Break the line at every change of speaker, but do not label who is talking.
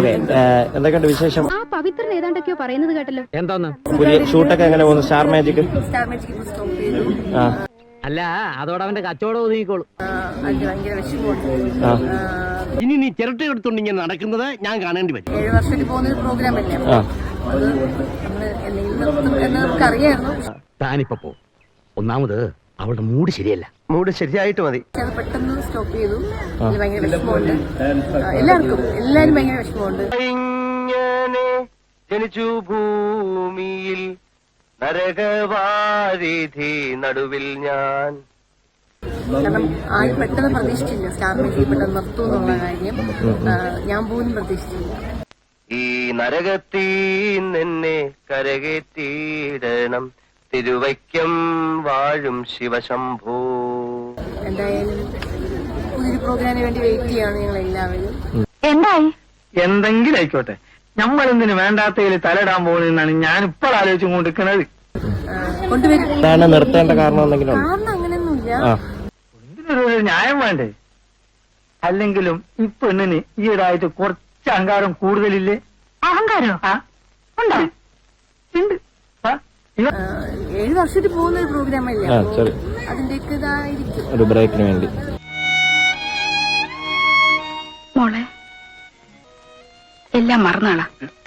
Okay, എന്തൊക്കെയുണ്ട് വിശേഷം?
ആ പവിത്രൻ ഏതാണ്ടൊക്കെയോ പറയുന്നത് കേട്ടല്ലോ.
എന്തോന്ന്
പുതിയ ഷൂട്ടൊക്കെ എങ്ങനെ പോകുന്നു? സ്റ്റാർ മാജിക്
സ്റ്റോപ്പ് ചെയ്തു.
ആ
അല്ല, അതോടെ അവന്റെ കച്ചവടം ഒതുങ്ങിക്കോളും.
അതിന് ഭയങ്കര വിഷമമുണ്ട്.
ആ
ഇനി നീ ചിരട്ട എടുത്തോണ്ട് ഇങ്ങനെ നടക്കുന്നത് ഞാൻ കാണേണ്ടി വരും.
7 വർഷത്തിൽ പോകുന്ന ഒരു പ്രോഗ്രാം അല്ലേ,
ആ
അത് നമ്മള് എന്തെങ്കിലും നിർത്തും എന്ന് നമുക്കറിയായിരുന്നു.
താനിപ്പോ പോ. ഒന്നാമത് അവളുടെ മൂഡ് ശരിയല്ല.
മൂഡ് ശരിയായിട്ട് മതി.
പക്ഷെ അത് പെട്ടെന്ന് സ്റ്റോപ്പ് ചെയ്തു. അതിൽ ഭയങ്കര വിഷമമുണ്ട്. എല്ലാരും ഭയങ്കര വിഷമമുണ്ട്.
ഇങ്ങനെ ജനിച്ചു ഭൂമിയിൽ നരകവാരിധി നടുവിൽ ഞാൻ.
കാരണം ആരും പെട്ടെന്ന് പ്രതീക്ഷിച്ചില്ല സ്റ്റാർ മാജിക് പെട്ടെന്ന് നിർത്തും എന്നുള്ള കാര്യം. ഞാൻ പോലും പ്രതീക്ഷിച്ചില്ല.
ഈ നരകത്തിൽ നിന്നെ കരകേറ്റിയിടണം തിരുവൈക്കം വാഴും ശിവശംഭോ.
എന്തായാലും പുതിയൊരു പ്രോഗ്രാമിന് വേണ്ടി വെയിറ്റ് ചെയ്യാണ് ഞങ്ങൾ എല്ലാവരും.
എന്തായി?
എന്തെങ്കിലും ആയിക്കോട്ടെ, നമ്മളെന്തിന് വേണ്ടാത്തതിൽ തലയിടാൻ പോകുന്നതെന്നാണ് ഞാൻ ഇപ്പോൾ ആലോചിച്ചു കൊണ്ടിരിക്കുന്നത്.
കൊണ്ടുവരും.
എന്താണ് നിർത്തേണ്ട കാരണം എന്തെങ്കിലും ഉണ്ടോ?
കാരണം അങ്ങനെയൊന്നുമില്ല.
ആ
ഇതിനൊരു ന്യായം വേണ്ടേ? അല്ലെങ്കിലും ഈ പെണ്ണിന് ഈയിടായിട്ട് കുറച്ച് അഹങ്കാരം കൂടുതലില്ലേ?
അഹങ്കാരോ?
ആ
ഉണ്ടോ?
ഉണ്ട്. ആ, ഇവ
7 വർഷത്തിൽ പോകുന്ന ഒരു പ്രോഗ്രാം അല്ലേ,
ആ
അപ്പോ
ശരി,
അതിന്റെയൊക്കെ ഇതായിരിക്കും.
ഒരു ബ്രേക്കിന് വേണ്ടി.
മോളെ, എല്ലാം മറന്നാളാ.